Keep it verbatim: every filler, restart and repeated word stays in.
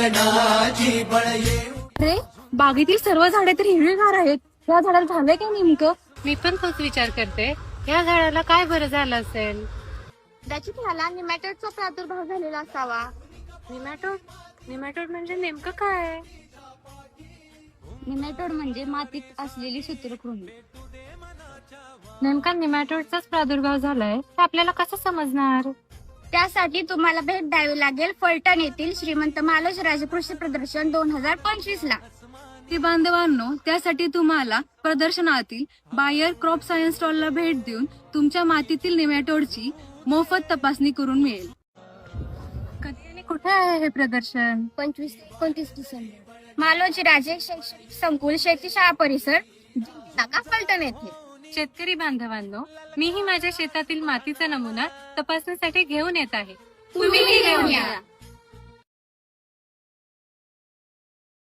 जीवनाची बळ येऊ. अरे बागेतील सर्व झाडे तर हिरवीगार आहेत. या झाडाला झालंय काय नेमकं? मी पण तोच विचार करते, या झाडाला काय बरं झालं असेल. कदाचित ह्याला निमॅटोडचा प्रादुर्भाव झालेला असावा. निमॅटोड निमॅटोड म्हणजे नेमकं काय? निमॅटोड म्हणजे मातीत असलेली सूत्रकृमी. नेमका निमॅटोडचाच प्रादुर्भाव झालाय हे आपल्याला कसं समजणार? त्यासाठी तुम्हाला भेट द्यावी लागेल फलटण येथील श्रीमंत मालोज राजे कृषी प्रदर्शन दोन हजार पंचवीस ला. ती बांधवांनो, त्यासाठी तुम्हाला प्रदर्शनातील बायर क्रॉप सायन्स स्टॉलला भेट देऊन तुमच्या मातीतील निमॅटोडची मोफत तपासणी करून मिळेल. कधी आणि कुठे आहे हे प्रदर्शन? पंचवीस ते एकोणतीस डिसेंबर मालोजी राजे शैक्षणिक संकुल शेती शाळा परिसर नाका फलटण येथे. शेतकरी बांधवांनो, मीही माझ्या शेतातील मातीचा नमुना तपासणीसाठी घेऊन येत आहे. तुम्हीही घेऊन या.